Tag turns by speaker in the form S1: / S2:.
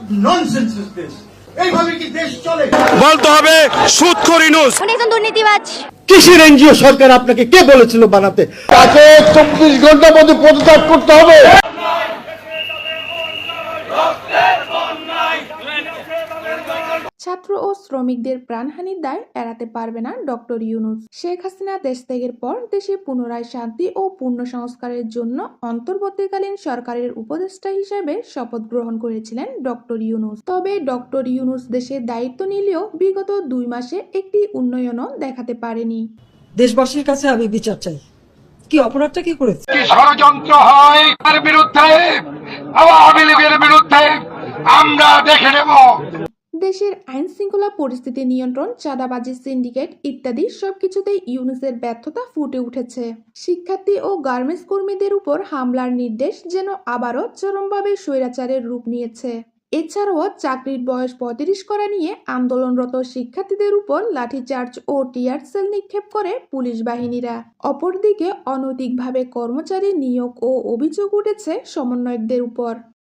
S1: Nonsense দেশ, এইভাবে কি দেশ চলে?
S2: বলতে হবে সুদখোর ইউনূস
S3: উনি একজন দুর্নীতিবাজ।
S4: কিসের এনজিও সরকার আপনাকে কে বলেছিল বানাতে?
S5: তাকে 24 ঘন্টার মধ্যে পদত্যাগ করতে হবে।
S6: ছাত্র ও শ্রমিকদের প্রাণহানির দায় এড়াতে পারবে না ডক্টর ইউনূস। শেখ হাসিনা দেশ ত্যাগের পর দেশে পুনরায় শান্তি ও পূর্ণ সংস্কারের জন্য অন্তর্বর্তীকালীন সরকারের উপদেষ্টা হিসেবে শপথ গ্রহণ করেছিলেন ডক্টর ইউনূস। তবে ডক্টর ইউনূস দেশের দায়িত্ব নিলেও বিগত 2 মাসে একটি উন্নয়নও দেখাতে পারেনি।
S7: দেশবাসীর কাছে আমি বিচার চাই, কি অপরাধটা কি করেছে?
S5: কি ষড়যন্ত্র হয় তার বিরুদ্ধে, আওয়ামী লীগের বিরুদ্ধে আমরা দেখে নেব।
S6: দেশের আইন শৃঙ্খলা পরিস্থিতি নিয়ন্ত্রণ, চাঁদাবাজি, সিন্ডিকেট ইত্যাদি সবকিছুতেই ইউনূসের ব্যর্থতা ফুটে উঠেছে। শিক্ষার্থী ও গার্মেন্টস কর্মীদের উপর হামলার নির্দেশ যেন আবারও চরমভাবে স্বৈরাচারের রূপ নিয়েছে। এছাড়াও চাকরির বয়স 35 করা নিয়ে আন্দোলনরত শিক্ষার্থীদের উপর লাঠিচার্জ ও টিয়ার সেল নিক্ষেপ করে পুলিশ বাহিনীরা। অপরদিকে অনৈতিকভাবে কর্মচারী নিয়োগ ও অভিযোগ উঠেছে সমন্বয়কদের উপর।